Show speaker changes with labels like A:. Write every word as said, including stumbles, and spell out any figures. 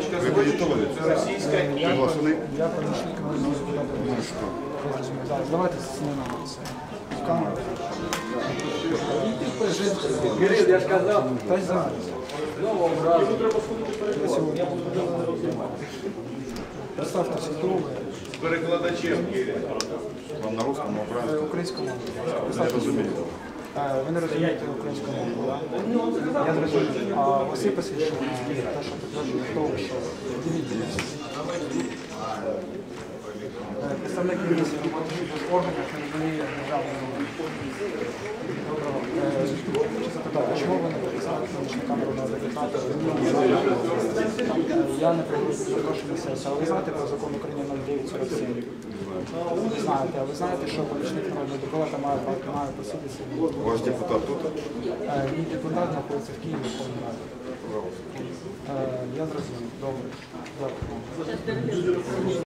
A: Ви воєнкомовець?
B: Це російська і...
C: Я помічник народного депутата. Зараз, давайте знімемо це. В камеру.
B: Кирил, я ж казав.
C: Та й зараз. Я сьогодні. Представтеся друге.
B: З перекладачем, Кирил.
A: Вам на русскому, на українському?
C: Українську мову.
A: Не розумію.
C: Е, Ви не розумієте українську мову, так? Я зрозумів. А у вас є посвідчення те, що підтверджує того, що дивіться. Е, Представник міліції роботи в органах не розуміє державну мову. Е, Хочу запитати, чому ви не підписали помічника народного депутата? Я не прошу на сесію, але ви знаєте про закон України номер дев'ять сорок сім? Ви знаєте, а ви знаєте, що помічник народного депутата має, має посидіти?
A: Ваш депутат тут?
C: Е, Мій депутат знаходиться в Києві, в Верховній Раді. Е, Я зрозумів. Добре. Дякую.